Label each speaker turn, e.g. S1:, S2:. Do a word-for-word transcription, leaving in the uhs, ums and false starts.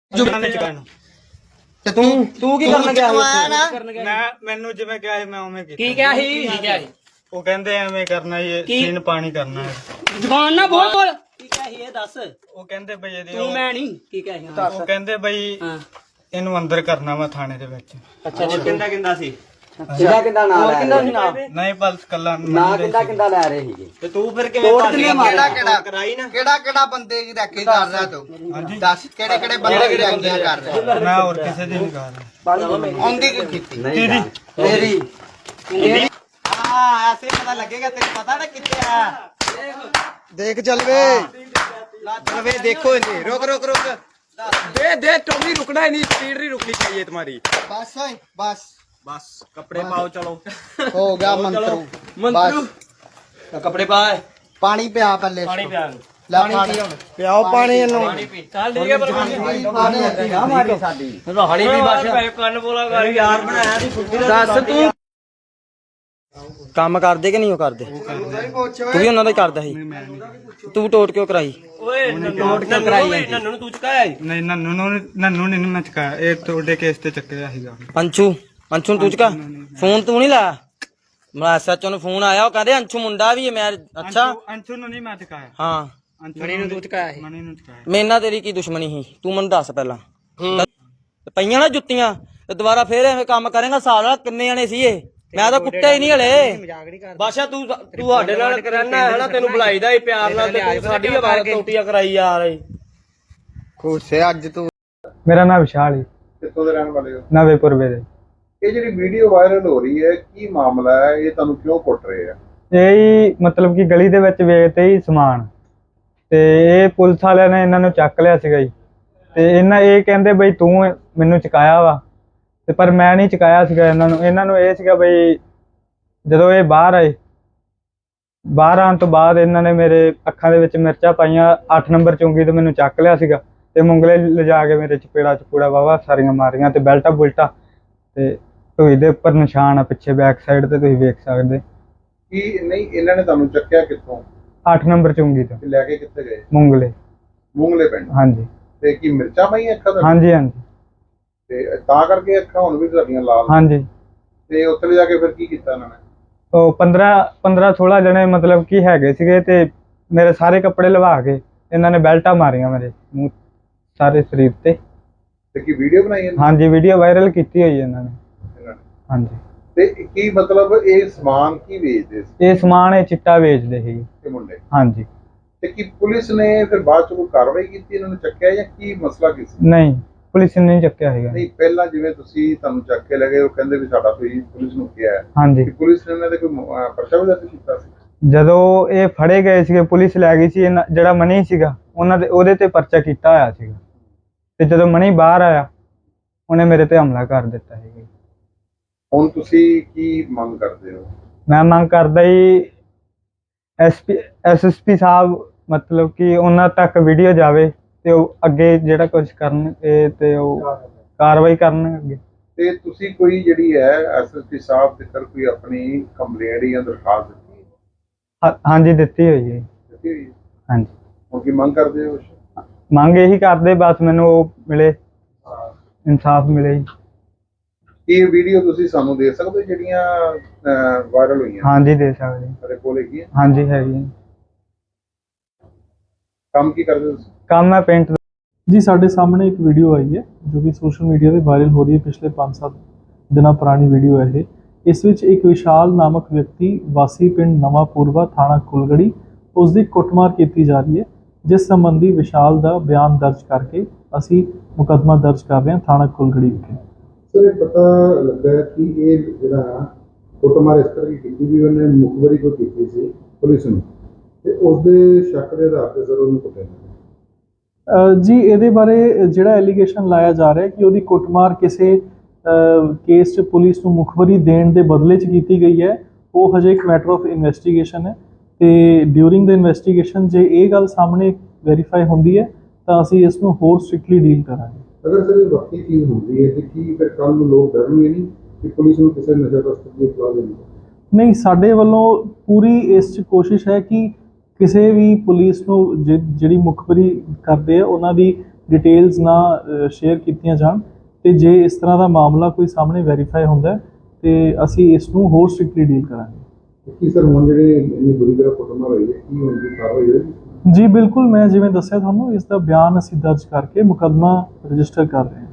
S1: ਤੇ ਤੂੰ ਤੂੰ ਕੀ ਕਰਨ ਗਿਆ
S2: ਮੈਂ ਮੈਨੂੰ ਜਿਵੇਂ ਕਿਹਾ ਸੀ ਮੈਂ ਉਵੇਂ ਕੀਤਾ।
S1: ਕੀ ਕਿਹਾ ਸੀ ਕੀ ਕਿਹਾ ਸੀ
S2: ਉਹ ਕਹਿੰਦੇ ਐਵੇਂ ਕਰਨਾ ਇਹ ਸੀਨ ਪਾਣੀ ਕਰਨਾ ਹੈ।
S1: ਜ਼ਬਾਨ ਨਾ ਬੋਲ ਬੋਲ ਕੀ ਕਿਹਾ ਸੀ ਇਹ ਦੱਸ।
S2: ਉਹ ਕਹਿੰਦੇ ਬਈ ਇਹਦੀ
S1: ਤੂੰ ਮੈਂ ਨਹੀਂ ਕੀ ਕਿਹਾ ਸੀ
S2: ਉਹ ਕਹਿੰਦੇ ਬਈ ਇਹਨੂੰ ਅੰਦਰ ਕਰਨਾ ਵਾ ਥਾਣੇ ਦੇ ਵਿੱਚ।
S1: ਅੱਛਾ
S3: ਹੋਰ ਕਿੰਦਾ ਕਿੰਦਾ ਸੀ
S1: ਕਿੰਦਾ ਕਿੰਦਾ ਨਾਂ ਲੈ ਕਿੰਦਾ ਸੀ ਨਾਂ
S2: ਨਹੀਂ ਬਸ ਕੱਲਾ
S1: ਨਾਂ ਕਿੰਦਾ ਕਿੰਦਾ ਲੈ ਰਹੇ ਸੀਗੇ
S3: ਤੇ ਤੂੰ ਫਿਰ ਕਿਵੇਂ
S1: ਤੋੜ
S3: ਭੱਜ
S1: ਕਿੰਨੇ
S3: ਗਿਆ?
S1: ਮਾਰਿਆ?
S3: ਕਿਹੜਾ ਕਰਾਈ ਨਾ
S4: ਕਿਹੜਾ ਕਿਹੜਾ ਬੰਦੇ ਦੀ ਰੈਕੀ ਕਰ ਰਿਹਾ ਤੂੰ ਦੱਸ ਕਿਹੜੇ ਕਿਹੜੇ ਬੰਦੇ ਦੀ ਰੈਕੀਆਂ ਕਰ ਰਿਹਾ
S2: ਮੈਂ ਹੋਰ ਕਿਸੇ ਦੀ ਨਹੀਂ ਕਰ ਰਿਹਾ।
S4: ਆਉਂਦੀ ਕੀ ਕੀਤੀ
S1: ਤੇਰੀ ਤੇਰੀ
S3: ਹਾਂ ਐਸੇ ਪਤਾ ਲੱਗੇਗਾ ਤੈਨੂੰ ਪਤਾ ਨਾ ਕਿੱਥੇ ਆ
S4: ਦੇਖ ਚੱਲ ਵੇ
S3: चल वे देखो इन्हें रुक रुक रुक दे दे टोमी रुकना है नहीं स्पीड नहीं रुकनी चाहिए तुम्हारी
S4: ਬਸ ਓਏ ਬਸ
S3: बस कपड़े पाओ चलो
S4: ਹੋ ਗਿਆ ਮੰਤਰੂ
S3: मंत्रू कपड़े पा
S4: ਪਾਣੀ ਪਿਆ ਪਹਿਲੇ
S3: पानी पिया
S4: ਲੈ ਪਾਣੀ ਪਿਆਓ ਪਾਣੀ ਇਹਨੂੰ
S3: चल ठीक है पर
S1: ਨਾ ਮਾਰੀ ਸਾਡੀ
S3: हाड़ी भी बस कन बोला कर यार बनाया दी छुट्टी दस तू
S1: ਕੰਮ ਕਰਦੇ ਕਿ ਨਹੀਂ ਉਹ ਕਰਦੇ ਤੂੰ ਵੀ ਉਹਨਾਂ ਦਾ ਹੀ ਕਰਦਾ ਸੀ ਤੂੰ ਟੋਟ ਕਿਉਂ ਕਰਾਈ
S3: ओए नोट क्यों कराई नन्नू तू चुकाया
S2: ਨਹੀਂ ਨੰਨੂ ਨੂੰ ਨੰਨੂ ਨੇ ਨਹੀਂ ਮੈਂ ਚੁਕਾਇਆ ਇਹ ਤੁਹਾਡੇ ਕੇਸ ਤੇ ਚੱਕਿਆ ਸੀਗਾ।
S1: ਅੰਸ਼ੂ ਅੰਸ਼ੂ ਨੂੰ ਤੂੰ ਚੁਕਾ ਫੋਨ ਤੂੰ ਨਹੀਂ ਲਾਇਆ ਮੈਂ ਐਸਐਚਓ ਨੂੰ ਫੋਨ ਆਇਆ ਉਹ ਕਹਿੰਦੇ ਅੰਸ਼ੂ ਮੁੰਡਾ ਵੀ ਹੈ ਮੈਂ ਅੱਛਾ
S2: ਅੰਸ਼ੂ ਨੂੰ ਨਹੀਂ ਮੈਂ ਚੁਕਾਇਆ।
S1: ਹਾਂ
S2: ਮਣੀ ਨੂੰ ਤੂੰ ਚੁਕਾਇਆ ਸੀ। ਮਣੀ ਨੂੰ ਚੁਕਾਇਆ।
S1: ਮੇਰੇ ਨਾਲ ਤੇਰੀ ਕੀ ਦੁਸ਼ਮਣੀ ਸੀ ਤੂੰ ਮੈਨੂੰ ਦੱਸ ਪਹਿਲਾਂ ਪਈਆਂ ਨਾ ਜੁੱਤੀਆਂ ਤੇ ਦੁਬਾਰਾ ਫੇਰ ਐਵੇਂ ਕੰਮ ਕਰੇਗਾ ਸਾਲ ਵਾਲਾ ਕਿੰਨੇ ਜਣੇ ਸੀ ਇਹ ਮੈਂ ਤਾਂ ਕੁੱਟਿਆ ਹੀ ਨਹੀਂ ਹਲੇ
S3: ਬਾਸ਼ਾ ਤੂੰ ਤੂੰ ਸਾਡੇ ਨਾਲ ਕਰਨਾ ਹੈ ਨਾ ਤੈਨੂੰ ਬੁਲਾਈਦਾ ਈ ਪਿਆਰ ਨਾਲ ਤੇ ਤੂੰ ਸਾਡੀ ਆਵਾਜ਼ ਟੋਟੀਆਂ ਕਰਾਈ ਯਾਰ
S4: ਖੁਸ਼ੇ ਅੱਜ ਤੂੰ
S2: ਮੇਰਾ ਨਾਮ ਵਿਸ਼ਾਲ ਹੈ।
S5: ਕਿੱਥੋਂ ਦੇ ਰਹਿਣ ਵਾਲੇ ਹੋ?
S2: ਨਵੇਂਪੁਰਵੇ ਦੇ।
S5: ਇਹ ਜਿਹੜੀ ਵੀਡੀਓ ਵਾਇਰਲ ਹੋ ਰਹੀ ਹੈ ਕੀ ਮਾਮਲਾ ਹੈ? ਇਹ ਤੁਹਾਨੂੰ ਕਿਉਂ ਕੁੱਟ ਰਹੇ ਆ?
S2: ਇਹ ਹੀ ਮਤਲਬ ਕਿ ਗਲੀ ਦੇ ਵਿੱਚ ਵੇਚਦੇ ਹੀ ਸਮਾਨ ਤੇ ਇਹ ਪੁਲਿਸ ਵਾਲਿਆਂ ਨੇ ਇਹਨਾਂ ਨੂੰ ਚੱਕ ਲਿਆ ਸੀਗਾ ਜੀ ਤੇ ਇਹਨਾਂ ਇਹ ਕਹਿੰਦੇ ਬਈ ਤੂੰ ਮੈਨੂੰ ਚੁਕਾਇਆ ਵਾ ਤੇ ਪਰ ਮੈਂ ਨਹੀਂ ਚੁਕਾਇਆ ਸੀਗਾ ਇਹਨਾਂ ਨੂੰ ਇਹਨਾਂ ਨੂੰ ਇਹ ਸੀਗਾ ਬਈ ਜਦੋਂ ਇਹ ਬਾਹਰ ਆਏ ਬਾਹਰ ਆਉਣ ਤੋਂ ਬਾਅਦ ਇਹਨਾਂ ਨੇ ਮੇਰੇ ਅੱਖਾਂ ਦੇ ਵਿੱਚ ਮਿਰਚਾਂ ਪਾਈਆਂ ਅੱਠ ਨੰਬਰ ਚੁੰਗੀ ਤੋਂ ਮੈਨੂੰ ਚੱਕ ਲਿਆ ਸੀਗਾ ਤੇ ਮੁੰਗਲੇ ਲਿਜਾ ਕੇ ਮੇਰੇ ਚਪੇੜਾ ਚਪੂੜਾ ਵਾਵਾ ਸਾਰੀਆਂ ਮਾਰੀਆਂ ਤੇ ਬੈਲਟਾ ਬੁਲਟਾ ਤੇ ਢੂਈ ਦੇ ਉੱਪਰ ਨਿਸ਼ਾਨ ਆ ਪਿੱਛੇ ਬੈਕ ਸਾਈਡ ਤੇ ਤੁਸੀਂ ਵੇਖ ਸਕਦੇ।
S5: ਕੀ ਨਹੀਂ ਇਹਨਾਂ ਨੇ ਤੁਹਾਨੂੰ ਚੱਕਿਆ ਕਿੱਥੋਂ
S2: ਅੱਠ ਨੰਬਰ ਚੁੰਗੀ ਤੋਂ
S5: ਤੇ ਲੈ ਕੇ ਕਿੱਥੇ ਗਏ?
S2: ਮੁੰਗਲੇ।
S5: ਮੂੰਗਲੇ ਪਿੰਡ।
S2: ਹਾਂਜੀ
S5: ਤੇ ਕੀ ਮਿਰਚਾਂ ਪਾਈਆਂ ਅੱਖਾਂ ਤੇ?
S2: ਹਾਂਜੀ ਹਾਂਜੀ
S5: ਤੇ ਤਾਂ ਕਰਕੇ ਅੱਖਾਂ ਹੁਣ ਵੀ ਤੁਹਾਡੀਆਂ ਲਾਲ?
S2: ਹਾਂਜੀ।
S5: ਤੇ ਉੱਥੇ ਲਿਜਾ ਕੇ ਫਿਰ ਕੀ ਕੀਤਾ ਇਹਨਾਂ ਨੇ?
S2: ਉਹ ਪੰਦਰਾਂ ਪੰਦਰਾਂ ਸੋਲਾਂ ਜਣੇ ਮਤਲਬ ਕੀ ਹੈਗੇ ਸੀਗੇ ਤੇ ਮੇਰੇ ਸਾਰੇ ਕੱਪੜੇ ਲਵਾ ਕੇ ਇਹਨਾਂ ਨੇ ਬੈਲਟਾਂ ਮਾਰੀਆਂ ਮੇਰੇ ਮੂੰਹ ਸਾਰੇ ਸਰੀਰ ਤੇ।
S5: ਤੇ ਕੀ ਵੀਡੀਓ ਬਣਾਈ ਇਹਨਾਂ
S2: ਹਾਂਜੀ ਵੀਡੀਓ ਵਾਇਰਲ ਕੀਤੀ ਹੋਈ ਇਹਨਾਂ ਨੇ।
S5: ਨੇ?
S2: ਹਾਂਜੀ।
S5: ਤੇ ਕੀ ਮਤਲਬ ਇਹ ਸਮਾਨ ਕੀ ਵੇਚਦੇ ਸੀ
S2: ਇਹ ਸਮਾਨ ਇਹ ਚਿੱਟਾ ਵੇਚਦੇ ਸੀ।
S5: ਇਹ ਮੁੰਡੇ?
S2: ਹਾਂਜੀ।
S5: ਤੇ ਕੀ ਪੁਲਿਸ ਨੇ ਫਿਰ ਬਾਅਦ ਚ ਕੋਈ ਕਾਰਵਾਈ ਕੀਤੀ ਇਹਨਾਂ ਨੂੰ ਚੱਕਿਆ ਜਾਂ ਕੀ ਮਸਲਾ ਕੀ ਸੀ?
S2: ਨਹੀਂ ਪੁਲਿਸ ਨੇ ਨਹੀਂ ਚੱਕਿਆ ਹੈਗਾ।
S5: ਨਹੀਂ ਪਹਿਲਾਂ ਜਿਵੇਂ ਤੁਸੀਂ ਤੁਹਾਨੂੰ ਚੱਕ ਕੇ ਲਗੇ ਉਹ ਕਹਿੰਦੇ ਵੀ ਸਾਡਾ ਤੁਸੀਂ ਪੁਲਿਸ ਨੂੰ ਕਿਹਾ ਹੈ
S2: ਹਾਂਜੀ।
S5: ਕਿ ਪੁਲਿਸ ਨੇ ਇਹਨਾਂ ਦੇ ਕੋਈ ਅਹ, ਪਰਚਾ ਵੀ ਦਰਜ ਕੀਤਾ ਸੀ?
S2: ਜਦੋਂ ਇਹ ਫੜੇ ਗਏ ਸੀਗੇ ਪੁਲਿਸ ਲੈ ਗਈ ਸੀ ਇਹਨਾਂ- ਜਿਹੜਾ ਮਨੀ ਸੀਗਾ ਉਹਨਾਂ ਦੇ ਉਹਦੇ ਤੇ ਪਰਚਾ ਕੀਤਾ ਹੋਇਆ ਸੀਗਾ ਤੇ ਜਦੋਂ ਮਨੀ ਬਾਹਰ ਆਇਆ ਉਹਨੇ ਮੇਰੇ ਤੇ ਹਮਲਾ ਕਰ ਦਿੱਤਾ ਸੀਗਾ।
S5: ਹੁਣ ਤੁਸੀਂ ਕੀ ਮੰਗ ਕਰਦੇ ਹੋ?
S2: ਮੈਂ ਮੰਗ ਕਰਦਾ ਜੀ ਐਸਪੀ ਐਸਐਸਪੀ ਸਾਹਿਬ ਮਤਲਬ ਕਿ ਉਹਨਾਂ ਤੱਕ ਵੀਡੀਓ ਜਾਵੇ ਤੇ ਉਹ ਅੱਗੇ ਜਿਹੜਾ ਕੁਝ ਕਰਨ ਇਹ ਤੇ ਉਹ ਕਾਰਵਾਈ ਕਰਨ ਅੱਗੇ।
S5: ਤੇ ਤੁਸੀਂ ਕੋਈ ਜਿਹੜੀ ਹੈ ਐਸਐਸਪੀ ਸਾਹਿਬ ਦੇ ਕਰ ਕੋਈ ਆਪਣੀ ਕੰਪਲੇਂਟ ਜਾਂ ਦਰਖਾਸਤ ਦਿੱਤੀ ਹੈ?
S2: ਹਾਂ- ਹਾਂਜੀ ਦਿੱਤੀ ਹੋਈ ਹੈ।
S5: ਦਿੱਤੀ ਹੋਈ ਹੈ?
S2: ਹਾਂਜੀ।
S5: ਹੁਣ ਕੀ ਮੰਗ ਕਰਦੇ ਹੋ?
S2: ਮੰਗ ਇਹੀ ਕਰਦੇ ਬਸ ਮੈਨੂੰ ਉਹ ਮਿਲੇ ਇਨਸਾਫ ਮਿਲੇ ਜੀ।
S5: ਇਹ ਵੀਡੀਓ ਤੁਸੀਂ ਸਾਨੂੰ ਦੇ ਸਕਦੇ ਹੋ ਜਿਹੜੀਆਂ ਵਾਇਰਲ ਹੋਈਆਂ?
S2: ਹਾਂਜੀ ਦੇ ਸਕਦੇ।
S5: ਤੁਹਾਡੇ ਕੋਲ ਹੈਗੀ ਹੈ?
S2: ਹਾਂਜੀ ਹੈਗੀ ਹੈ।
S5: ਕੰਮ ਕੀ ਕਰਦੇ ਹੋ ਤੁਸੀਂ?
S2: ਕੰਮ ਮੈਂ ਪੇਂਟ
S6: ਜੀ ਸਾਡੇ ਸਾਹਮਣੇ ਇੱਕ ਵੀਡੀਓ ਆਈ ਹੈ ਜੋ ਕਿ ਸੋਸ਼ਲ ਮੀਡੀਆ ਤੇ ਵਾਇਰਲ ਹੋ ਰਹੀ ਹੈ। ਪਿਛਲੇ ਪੰਜ ਸੱਤ ਦਿਨਾਂ ਪੁਰਾਣੀ ਵੀਡੀਓ ਹੈ ਇਹ। ਇਸ ਵਿੱਚ ਇੱਕ ਵਿਸ਼ਾਲ ਨਾਮਕ ਵਿਅਕਤੀ ਵਾਸੀ ਪਿੰਡ ਨਵਾਂ ਪੂਰਵਾ ਥਾਣਾ ਕੁਲਗੜੀ ਉਸ ਦੀ ਕੁੱਟਮਾਰ ਕੀਤੀ ਜਾ ਰਹੀ ਹੈ ਜਿਸ ਸੰਬੰਧੀ ਵਿਸ਼ਾਲ ਦਾ ਬਿਆਨ ਦਰਜ ਕਰਕੇ ਅਸੀਂ ਮੁਕੱਦਮਾ ਦਰਜ ਕਰ ਰਹੇ ਹਾਂ ਥਾਣਾ ਕੁਲਗੜੀ ਵਿਖੇ।
S5: ਸਰ ਇਹ ਪਤਾ ਲੱਗਾ ਕਿ ਇਹ ਜਿਹੜਾ ਕੁੱਟਮਾਰ ਇਸ ਤਰ੍ਹਾਂ ਕੀਤੀ ਵੀ ਉਹਨੇ ਮੁਖਬਰੀ ਕੋ ਕੀਤੀ ਸੀ ਪੁਲਿਸ ਨੂੰ ਤੇ ਉਸ ਦੇ ਸ਼ੱਕ ਦੇ ਆਧਾਰ ਤੇ ਸਰ ਉਹਨੂੰ ਕੁੱਟਿਆ
S6: ਜੀ ਇਹਦੇ ਬਾਰੇ ਜਿਹੜਾ ਐਲੀਗੇਸ਼ਨ ਲਾਇਆ ਜਾ ਰਿਹਾ ਹੈ ਕਿ ਉਹਦੀ ਕੁੱਟਮਾਰ ਕਿਸੇ ਕੇਸ 'ਚ ਪੁਲਿਸ ਨੂੰ ਮੁਖਬਰੀ ਦੇਣ ਦੇ ਬਦਲੇ 'ਚ ਕੀਤੀ ਗਈ ਹੈ ਉਹ ਹਜੇ ਇੱਕ ਮੈਟਰ ਆਫ ਇਨਵੈਸਟੀਗੇਸ਼ਨ ਹੈ ਤੇ ਡਿਊਰਿੰਗ ਦ ਇਨਵੈਸਟੀਗੇਸ਼ਨ ਜੇ ਇਹ ਗੱਲ ਸਾਹਮਣੇ ਵੈਰੀਫਾਈ ਹੁੰਦੀ ਹੈ ਤਾਂ ਅਸੀਂ ਇਸ ਨੂੰ ਹੋਰ ਸਟ੍ਰਿਕਟਲੀ ਡੀਲ ਕਰਾਂਗੇ।
S5: ਅਗਰ ਸਰ ਇਹ ਵਕਤੀ ਚੀਜ਼ ਹੁੰਦੀ ਹੈ ਤੇ ਕੀ ਫਿਰ ਕੱਲ ਨੂੰ ਲੋਕ ਡਰਨਗੇ ਨਹੀਂ ਕਿ ਪੁਲਿਸ ਨੂੰ ਕਿਸੇ ਨਸ਼ਾ ਤਸਕਰ ਦੀ ਇਤਲਾਹ ਦੇਣੀ?
S6: ਨਹੀਂ ਸਾਡੇ ਵੱਲੋਂ ਪੂਰੀ ਇਸ 'ਚ ਕੋਸ਼ਿਸ਼ ਹੈ ਕਿ ਕਿਸੇ ਵੀ ਪੁਲਿਸ ਨੂੰ ਜਿਹੜੀ ਮੁਖਬਰੀ ਕਰਦੇ ਆ ਉਹਨਾਂ ਦੀ ਡਿਟੇਲਸ ਨਾ ਸ਼ੇਅਰ ਕੀਤੀਆਂ ਜਾਣ, ਤੇ ਜੇ ਇਸ ਤਰ੍ਹਾਂ ਦਾ ਮਾਮਲਾ ਕੋਈ ਸਾਹਮਣੇ ਵੈਰੀਫਾਈ ਹੁੰਦਾ ਹੈ ਤੇ ਅਸੀਂ ਇਸ ਨੂੰ ਹੋਰ ਸਟ੍ਰਿਕਟਲੀ ਡੀਲ ਕਰਾਂਗੇ।
S5: ਕੀ ਸਰ ਹੁਣ ਜਿਹੜੇ ਇੰਨੀ ਬੁਰੀ ਤਰ੍ਹਾਂ ਕੁੱਟਮਾਰ ਹੋਈ ਹੈ ਕੀ ਹੁਣ ਦੀ ਕਾਰਵਾਈ ਹੋਏਗੀ?
S6: ਜੀ ਬਿਲਕੁਲ, ਮੈਂ ਜਿਵੇਂ ਦੱਸਿਆ ਤੁਹਾਨੂੰ, ਇਸ ਦਾ ਬਿਆਨ ਅਸੀਂ ਦਰਜ ਕਰਕੇ ਮੁਕੱਦਮਾ ਰਜਿਸਟਰ ਕਰ ਰਹੇ ਹਾਂ।